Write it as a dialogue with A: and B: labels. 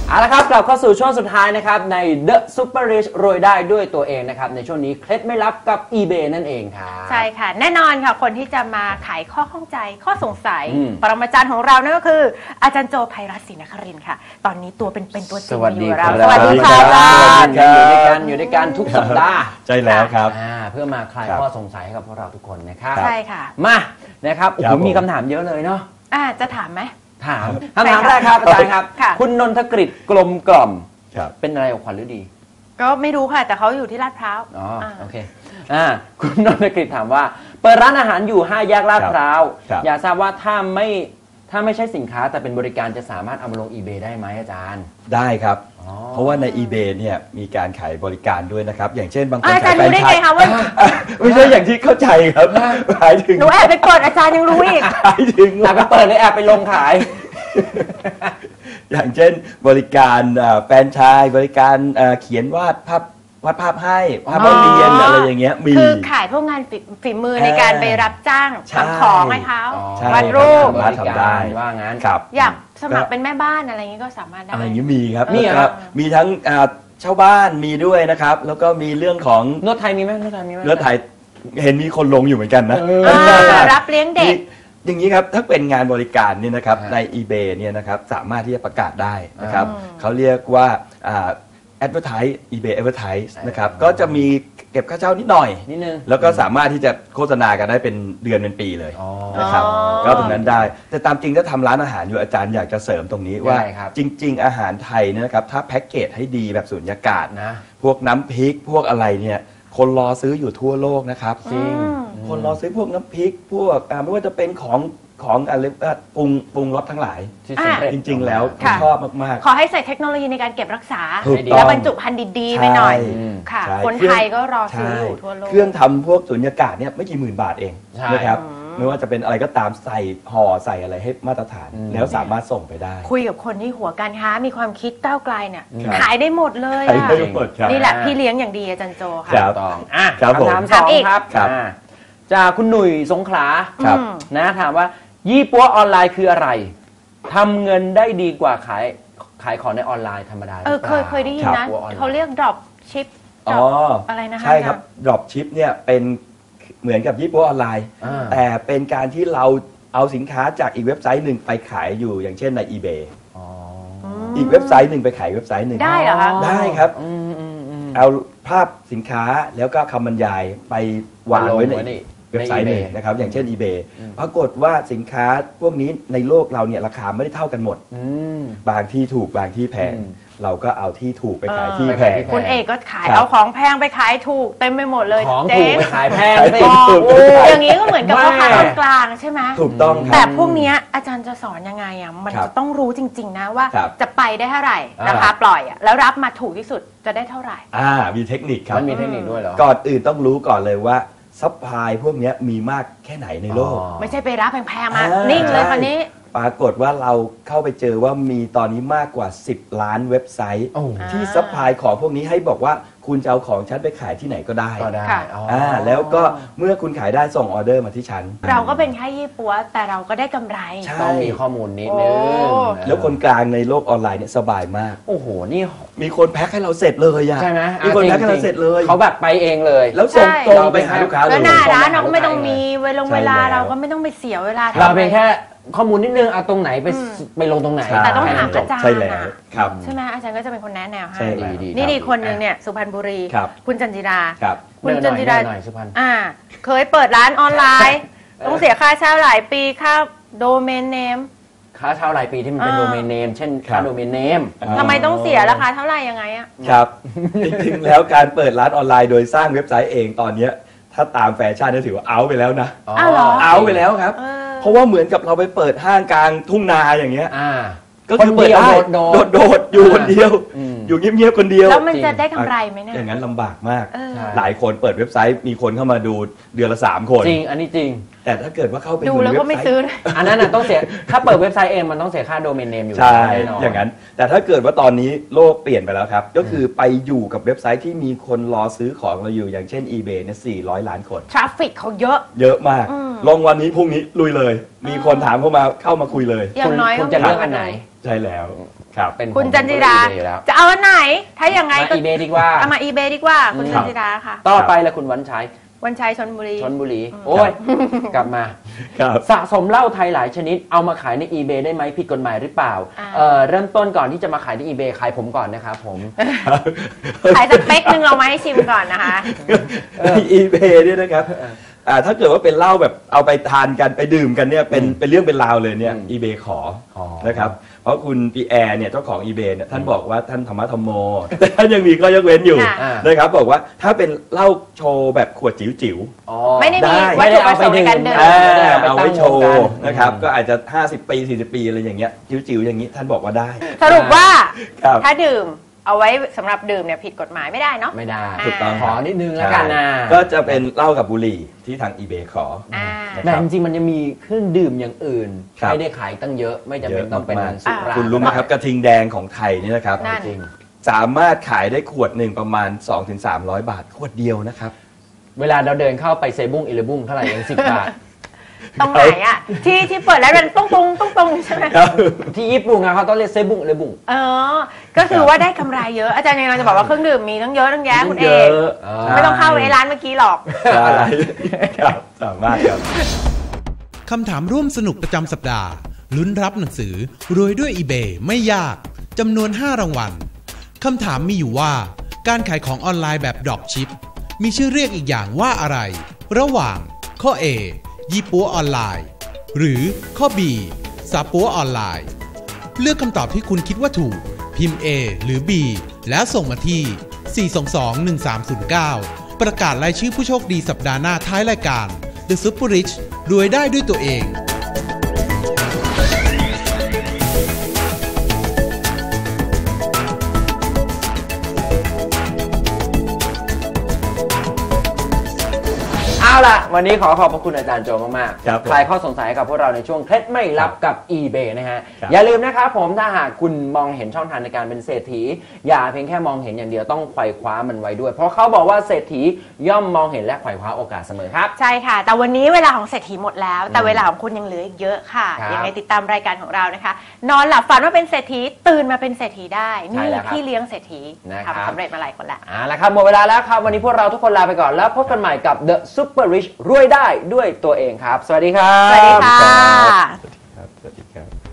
A: เอาละครับกลับเข้าสู่ช่วงสุดท้ายนะครับใน The Super Rich รวยได้ด้วยตัวเองนะครับในช่วงนี้เคล็ดไม่ลับกับ eBay นั่นเองครับ
B: ใช่ค่ะแน่นอนค่ะคนที่จะมาไขข้อข้องใจข้อสงสัยปรมาจารย์ของเรานั่นก็คืออาจารย์โจไพรัตน์ศรีนครินทร์ค่ะตอนนี้ตัวเป็นตัวจริงอยู่เราสวัสดีค่ะ
A: อยู่ด้วยกันทุกสัปดาห์
C: ใช่แล้วครับ
A: เพื่อมาคลายข้อสงสัยให้กับพวกเราทุกคนนะครับ
B: ใช่ค่ะ
A: มานะครับโอ้โหมีคำถามเยอะเลยเนาะ
B: จะถามไหม
A: ถามคำถามแรกครับอาจารย์ครับคุณนนทกฤษกลมกล่อมเป็นอะไรกับขวัญฤดี
B: ก็ไม่รู้ค่ะแต่เขาอยู่ที่ลาดพร้าว
A: โอเคคุณนนทกฤษถามว่าเปิดร้านอาหารอยู่5 แยกลาดพร้าวอยากทราบว่าถ้าไม่ใช่สินค้าแต่เป็นบริการจะสามารถเอามาลง eBay ได้ไหมอาจารย์
C: ได้ครับเพราะว่าใน eBay เนี่ยมีการขายบริการด้วยนะครับอย่างเช่นบางคนขายแฟรนไชส์ไม่ใช่อย่างที่เข้าใจครับหมายถึง
B: หนูแอบไปกดอาจารย์ยังรู้อีก
C: หมายถึง
A: แต่ไปเปิดเลยแอบไปลงขาย
C: อย่างเช่นบริการแฟรนไชส์บริการเขียนวาดภาพให้ภาพเรียนอะไรอย่างเงี้ยมี
B: คือขายพวกงานฝีมือในการไปรับจ้างทำของให้เขาวาดรูป
C: ทำได้
A: ว่างั้น
B: อยากสมัครเป็นแม่บ้านอะไรอย่างงี้ก็สามารถได้
C: อะไรอย่างงี้มีครับมีทั้งเช่าบ้านมีด้วยนะครับแล้วก็มีเรื่องของ
A: นวดไทยมีไหมนวด
C: ไทยเห็นมีคนลงอยู่เหมือนกันนะ
B: รับเลี้ยงเด็ก
C: อย่างนี้ครับถ้าเป็นงานบริการเนี่ยนะครับใน eBay เนี่ยนะครับสามารถที่จะประกาศได้นะครับเขาเรียกว่าadvertise eBay advertise นะครับก็จะมีเก็บค่าเช่านิดหน่อยแล้วก็สามารถที่จะโฆษณากันได้เป็นเดือนเป็นปีเลยนะครับก็ตรงนั้นได้แต่ตามจริงถ้าทำร้านอาหารอยู่อาจารย์อยากจะเสริมตรงนี้ว่าจริงๆอาหารไทยเนี่ยนะครับถ้าแพ็กเกจให้ดีแบบสุญญากาศนะพวกน้ำพริกพวกอะไรเนี่ยคนรอซื้ออยู่ทั่วโลกนะครับ
A: จริง
C: คนรอซื้อพวกน้ำพริกพวกไม่ว่าจะเป็นของอะไรปรุงรสทั้งหลายจริงๆแล้วชอบมาก
B: ๆขอให้ใส่เทคโนโลยีในการเก็บรักษาแล้วบรรจุภัณฑ์ดีๆไปหน่อยค่ะคนไทยก็รอซื้ออยู่ทั่วโลก
C: เครื่องทำพวกสุญญากาศเนี่ยไม่กี่หมื่นบาทเองนะครับไม่ว่าจะเป็นอะไรก็ตามใส่ห่อใส่อะไรให้มาตรฐานแล้วสามารถส่งไปได้
B: คุยกับคนที่หัวการค้ามีความคิดก้าวไกลเนี่ยขายได้หมดเลยนี่แหละพี่เลี้ยงอย่างดีอาจารย์โจค่ะ
A: ต้องคำถาม2ครับจากคุณหนุ่ยสงขลานะถามว่ายี่ปัวออนไลน์คืออะไรทำเงินได้ดีกว่าขายของในออนไลน์ธรรมดา
B: เคยได้ยินนะเขาเรียก drop ship อะไรนะคะ
C: ใช่ครับ drop ship เนี่ยเป็นเหมือนกับยี่ปัวออนไลน์แต่เป็นการที่เราเอาสินค้าจากอีกเว็บไซต์หนึ่งไปขายอยู่อย่างเช่นใน eBay อีกเว็บไซต์หนึ่งไปขายเว็บไซต์หนึ่ง
B: ได้เหรอคะ
C: ได้ครับเอาภาพสินค้าแล้วก็คำบรรยายไปวางไว้ในเว็บไซต์หนึ่งนะครับอย่างเช่น eBay ปรากฏว่าสินค้าพวกนี้ในโลกเราเนี่ยราคาไม่ได้เท่ากันหมดบางที่ถูกบางที่แพงเราก็เอาที่ถูกไปขายที่แพง
B: คุณเอกก็ขายเอาของแพงไปขายถูกเต็มไปหมดเลย
A: ของถูกไปขายแพง
B: อย่างนี้ก็เหมือนกับพ่อค้ากลางใช่ไหม
C: ถูกต้อง
B: แต่พวกนี้อาจารย์จะสอนยังไงมันจะต้องรู้จริงๆนะว่าจะไปได้เท่าไหร่ราคาปล่อยแล้วรับมาถูกที่สุดจะได้เท่าไหร่
C: มีเทคนิคครับ
A: มันมีเทคนิคด้วยเหรอ
C: ก่อนอื่นต้องรู้ก่อนเลยว่าซัพพลายพวกนี้มีมากแค่ไหนในโลก
B: ไม่ใช่ไปรับแพงๆมานิ่งเลยคนนี้
C: ปรากฏว่าเราเข้าไปเจอว่ามีตอนนี้มากกว่า10 ล้านเว็บไซต์ที่ซัพพลายของพวกนี้ให้บอกว่าคุณจะเอาของฉันไปขายที่ไหนก็ได้แล้วก็เมื่อคุณขายได้ส่งออเดอร์มาที่ฉัน
B: เราก็เป็นแค่ยี่ปัวแต่เราก็ได้กำไร
A: ต้องมีข้อมูลนิดนึง
C: แล้วคนกลางในโลกออนไลน์เนี่ยสบายมาก
A: โอ้โหนี่
C: มีคนแพ็คให้เราเสร็จเลย
A: ใช่ไหม
C: มีคนแพ็คให้เราเสร็จเลย
A: เขาแบบไปเองเลย
C: แล้วส่งตรงไปหาลูกค้าเลย
B: แล้วหน้าร้านเราก็ไม่ต้องมีเวลาเราก็ไม่ต้องไปเสียเวลา
A: เราเพียงแค่ข้อมูลนิดนึงเอาตรงไหนไปลงตรงไหน
B: แต่ต้องถามอาจารย์
C: ใช่แล้ว
B: ใช่ไหมอาจารย์ก็จะเป็นคนแนะแนวให้นี่ดีคนหนึ่งเนี่ยสุพรรณบุรีคุณจันจิรา
A: คุณจันจิรา
B: เคยเปิดร้านออนไลน์ต้องเสียค่าเช่าหลายปีค่าโดเมนเนม
A: ค่าเช่าหลายปีที่มันเป็นโดเมนเนมเช่นค่าโดเมนเนม
B: ทำไมต้องเสียราคาเท่าไหร่ยังไงอ่ะ
C: ครับจริงๆแล้วการเปิดร้านออนไลน์โดยสร้างเว็บไซต์เองตอนนี้ถ้าตามแฟชั่นนี่ถือว่าเอาไปแล้วนะเอาไปแล้วครับเพราะว่าเหมือนกับเราไปเปิดห้างกลางทุ่งนาอย่างเงี้ยก็คือเปิดได้โดดอยู่คนเดียวอยู่เงียบๆคนเดียว
B: แล้วมันจะได้กำไรไหมเนี่ย
C: อย่างนั้นลำบากมากหลายคนเปิดเว็บไซต์มีคนเข้ามาดูเดือนละ3 คน
A: จริงอันนี้จริง
C: แต่ถ้าเกิดว่าเข้าไป
B: ดูแล้วก็ไม่ซื้อ
A: อันนั้นต้องเสียถ้าเปิดเว็บไซต์เองมันต้องเสียค่าโดเมนเนมอยู่
C: ใช่อย่างนั้นแต่ถ้าเกิดว่าตอนนี้โลกเปลี่ยนไปแล้วครับก็คือไปอยู่กับเว็บไซต์ที่มีคนรอซื้อของเราอยู่อย่างเช่น eBay เนี่ย400 ล้านคน
B: ทราฟฟิกเขาเย
C: อะมากลงวันนี้พรุ่งนี้ลุยเลยมีคนถามเข้ามาคุยเลย
B: อย่างน้อย
A: คุณจะเลือกอันไหน
C: ใช่แล้วครับ
A: เป็น
B: คุณ
A: ผม
B: จันจิรา
A: ผมก็ eBay อยู่แล้ว
B: จะเอาอันไหน ถ้าอย่างไง
A: มา
B: ก็
A: eBay ดีกว่า
B: เอามา eBay ดีกว่า คุณจันจิราค่ะ
A: ต่อไปแล้วคุณวันชัย
B: วันชัยชลบุรี
A: ชนบุรี โอ้ย กลับมา
C: ครับ
A: สะสมเหล้าไทยหลายชนิดเอามาขายใน eBay ได้ไหมผิดกฎหมายหรือเปล่า เริ่มต้นก่อนที่จะมาขายใน eBay ขายผมก่อนนะครับผม
B: ขายสเปคหนึ่งเรามาให้ชิมก่อนนะคะ
C: eBay เนี่ยนะครับถ้าเกิดว่าเป็นเหล้าแบบเอาไปทานกันไปดื่มกันเนี่ยเป็นเรื่องเป็นราวเลยเนี่ย eBay ขอนะครับเพราะคุณปีแอร์เนี่ยเจ้าของ eBay เนี่ยท่านบอกว่าท่านธรรมะธรรมโมแต่ท่านยังมีข้อยกเว้นอยู่
B: ค่ะ
C: นะครับบอกว่าถ้าเป็นเหล้าโชว์แบบขวดจิ๋ว
B: ไม่ได้มี
C: ได้
B: วัตถุประสงค์ในการดื่ม
C: เอาไว้โชว์นะครับก็อาจจะ50 ปี 40 ปีอะไรอย่างเงี้ยจิ๋วๆอย่างนี้ท่านบอกว่าได้
B: สรุปว่า
C: ครับ
B: ถ้าดื่มเอาไว้สำหรับดื่มเนี่ยผิดกฎหมายไม่ได้เนาะ
A: ไม่ได้
C: ถูกต้อง
A: ขอนิดนึงแล้วกันนะ
C: ก็จะเป็นเหล้ากับบุหรี่ที่ทาง eBay ขอ
B: อ่า
A: แต่จริงๆมันจะมีเครื่องดื่มอย่างอื่น
C: ครับ
A: ไม่ได้ขายตั้งเยอะ ไม่จำเป็นต้องเป็น
C: เยอะมาก
A: สุรา
C: คุณรู้ไหมครับกระทิงแดงของไทยนี่นะครับ
B: นั่น
A: จริง
C: สามารถขายได้ขวดหนึ่งประมาณ 2-300 บาท ขวดเดียวนะครับ
A: เวลาเราเดินเข้าไปเซบุ้งอิเลบุ้งเท่าไหร่ยัง10 บาท
B: ตรงไหนอ่ะที่เปิดแล้วมันตุ้งตุ้งตุ้งตุ้งใช่ไหม
A: ที่ญี่ปุ่นอะเขาต้องเรียกเซบุ้งอิเลบุ้ง
B: ก็คือว่าได้กำไรเยอะอาจารย์ยังจะบอกว่าเครื่องดื่มมีตั้งเยอะตั้งแยะคุณเอก ไม่ต้องเข้าไอ้ร้านเมื่อกี้หรอก
C: ใช่ครับสามารถครับ
D: คำถามร่วมสนุกประจำสัปดาห์ลุ้นรับหนังสือรวยด้วย eBay ไม่ยากจำนวน 5 รางวัลคำถามมีอยู่ว่าการขายของออนไลน์แบบดรอปชิปมีชื่อเรียกอีกอย่างว่าอะไร ระหว่างข้อ A ยี่ปัวออนไลน์หรือข้อ B ซาปัวออนไลน์เลือกคำตอบที่คุณคิดว่าถูกพิมพ์ A หรือ B แล้วส่งมาที่ 422-1309 ประกาศรายชื่อผู้โชคดีสัปดาห์หน้าท้ายรายการ The Super Rich รวยได้ด้วยตัวเอง
A: เอาล่ะ วันนี้ขอขอบพระคุณอาจารย์โจมาก
C: ครับผม
A: ๆคลายข้อสงสัยให้กับพวกเราในช่วงเคล็ดไม่ลับกับ eBay นะฮะ
C: ครับ
A: อย่าลืมนะครับผมถ้าหากคุณมองเห็นช่องทางในการเป็นเศรษฐีอย่าเพียงแค่มองเห็นอย่างเดียวต้องไขว่คว้ามันไว้ด้วย เพราะเขาบอกว่าเศรษฐีย่อมมองเห็นและไขว่คว้าโอกาสเสมอครับ
B: ใช่ค่ะ แต่วันนี้เวลาของเศรษฐีหมดแล้ว แต่เวลาของคุณยังเหลืออีกเยอะค่ะ
A: ครับ
B: ยังไงติดตามรายการของเรานะคะ นอนหลับฝันว่าเป็นเศรษฐีตื่นมาเป็นเศรษฐีได้
A: ใช่
B: นี่
A: แล้วครับ
B: พี่เลี้ยงเศรษฐี
A: นะครับ
B: ทำสำเร็จมาหลายคนแล้ว
A: เอาละครับหมดเวลาแล้วครับวันนี้พวกเราทุกคนลาไปก่อนแล้วพบกันใหม่กับ The Super Rich รวยได้ด้วยตัวเองครับ สวัสดีครับ
B: สวัสดีค่ะ
C: สวัสดีครับ